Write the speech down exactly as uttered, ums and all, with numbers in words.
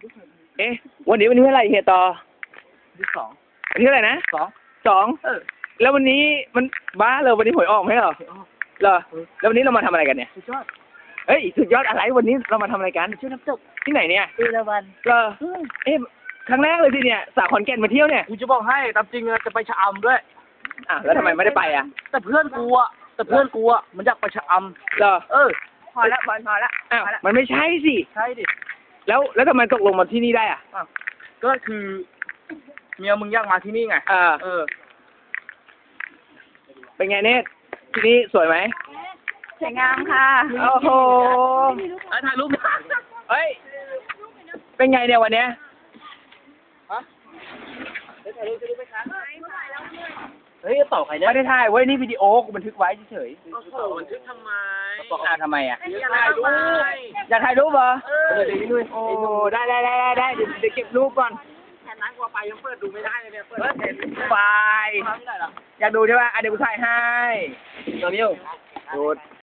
เอ๊ะวันนี้วันนี้เท่าไหร่เฮียต่อที่สองวันนี้เท่าไหร่นะสองสองเออแล้ววันนี้มันบ้าเลยวันนี้หวยออกไหมเหรอเหรอแล้ววันนี้เรามาทำอะไรกันเนี่ยสุดยอดเฮ้ยสุดยอดอะไรวันนี้เรามาทำอะไรกันชื่อน้ำตกที่ไหนเนี่ยเอราวัณเหรอเอ๊ะครั้งแรกเลยสิเนี่ยสาวขอนแก่นมาเที่ยวเนี่ยกูจะบอกให้ตามจริงอะจะไปชะอำด้วยอ่ะแล้วทำไมไม่ได้ไปอ่ะแต่เพื่อนกูอะแต่เพื่อนกูอะมันอยากไปชะอเหรอำเออพอละบอลพอละอ้าวมันไม่ใช่สิใช่ดิแล้วแล้วทำไมตกลงมาที่นี่ได้อ่ะอ้าวก็คือเมียมึงอยากมาที่นี่ไงอ่าเออเป็นไงเนตที่นี่สวยไหมสวยงามค่ะโอ้โหไอ้ถ่ายรูปเฮ้ยเป็นไงเนี่ยวันเนี้ยเฮ้ยต่อใครเนี่ยไม่ได้ถ่ายเว้ยนี่วิดีโอกูบันทึกไว้เฉยโอ้โหบันทึกทำไมๆอ่าทำไมอ่ะอยากถ่ายรูปอยากถ่ายรูปเหรอเออเดี๋ยวนี้ด้วยโอ้ได้ได้ได้ได้ได้เดี๋ยวเดี๋ยวเก็บรูปก่อนแค่นั้นกว่าไปยังเปิดดูไม่ได้เลยเนี่ยเปิดเห็นบายไม่ได้หรออยากดูใช่ป่ะอ่ะเดี๋ยวกูถ่ายให้เดี๋ยวนี้ดู